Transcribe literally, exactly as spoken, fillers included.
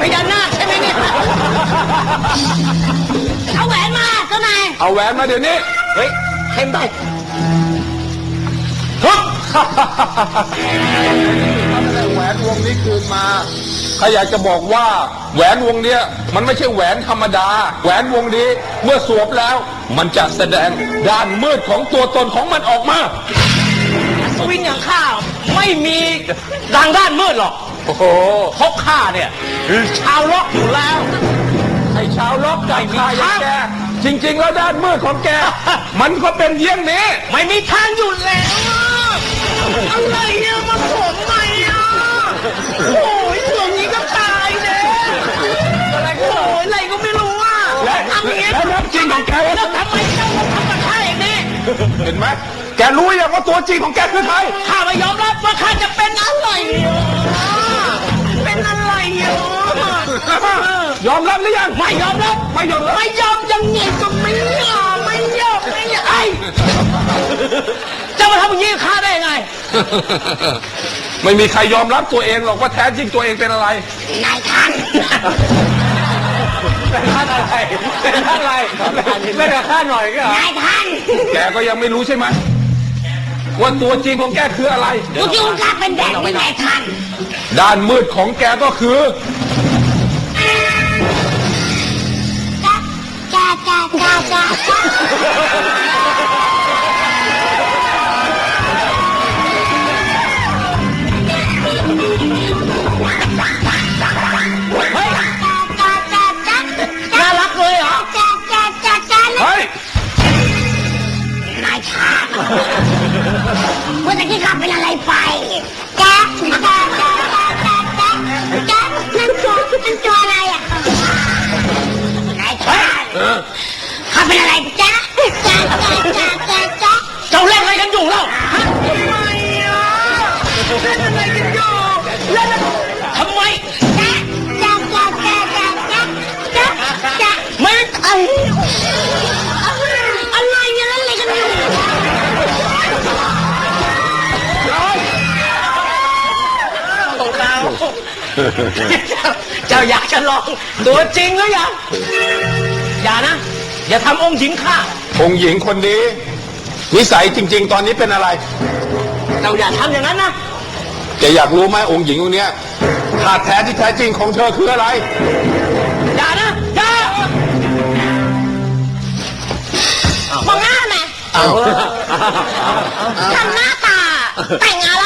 พญานาคใช่ไหมเนี่ยเอาแหวนมาเจ้านายเอาแหวนมาเดี๋ยวนี้เฮ้ยเข็มไปฮึบแหวนวงนี้คืนมาใครอยากจะบอกว่าแหวนวงเนี้ยมันไม่ใช่แหวนธรรมดาแหวนวงนี้เมื่อสวมแล้วมันจะแสดงด้านมืดของตัวตนของมันออกมาวิญญาณข้าไม่มีดังด้านมืดหรอกโอ้โหเพราะข้าเนี่ยชาวล็อกอยู่แล้วไอ้ชาวล็อกใจข้าอย่างแกจริงๆแล้วด้านมืดของแกมันก็เป็นเยี่ยงนี้ไม่มีทางหยุดแล้วอะไรเนี่ยมันผมใหม่อ่ะโอ้ยช่วงนี้ก็ตายเลยอะไรก็โอ้ยอะไรก็ไม่รู้อ่ะแล้วทำอย่างนี้แล้วจริงของแกแล้วทำไมเจ้าทำกับข้าอย่างนี้เห็นไหมแกรู้ยังว่าตัวจริงของแกคือใครข้าไม่ยอมรับว่าข้าจะเป็นอะไรเป็นอะไรยอมรับหรือยังไม่ยอมรับไม่ยอมรับไม่ยอมยังไงก็ไม่ยอมไม่ยอมไม่ยอมไอ้จะมาทำอย่างนี้ข้าได้ไงไม่มีใครยอมรับตัวเองหรอกว่าแท้จริงตัวเองเป็นอะไรนายท่านเป็นท่านอะไรเป็นท่านอะไรไม่กับข้าหน่อยก็นายท่านแกก็ยังไม่รู้ใช่ไหมว่าตัวจริงของแกคืออะไรตัวจริงของข้าเป็นแบบนี้นายท่านด้านมืดของแกก็คือจ้าจ้าจ้าจ้าจ้าเฮ้ยจ้าจ้าจ้าน่ารักเลยเหรอจ้าจ้าจ้าจ้าเฮ้ยนายท่านเมื่อกี้ข้าเป็นอะไรไปจ้าจ้าจ้าจ้าจ้าจ้าจ้านั่นตัวนั่นตัวอะไรอ่ะนายท่านข้าเป็นอะไรจ้าจ้าจ้าจ้าจ้าเจ้าเล่นอะไรกันอยู่เล่าทำไมอ่ะเล่นอะไรกันอยู่เล่นทำไมจ้าจ้าจ้าจ้าจ้าจ้าจ้าจ้าไม่ไอ้อะไรเนี่ยเล่นอะไรกันอยู่ตกดาวเจ้าอยากจะลองตัวจริงหรือยังอย่านะอย่าทำองค์หญิงข้าองค์หญิงคนนี้นิสัยจริงๆตอนนี้เป็นอะไรเราอย่าทำอย่างนั้นนะจะอยากรู้ไหมองค์หญิงคนนี้ธาตุแท้ที่แท้จริงของเธอคืออะไรอย่านะอย่ามองหน้าไหมทำหน้าตาแต่งงาน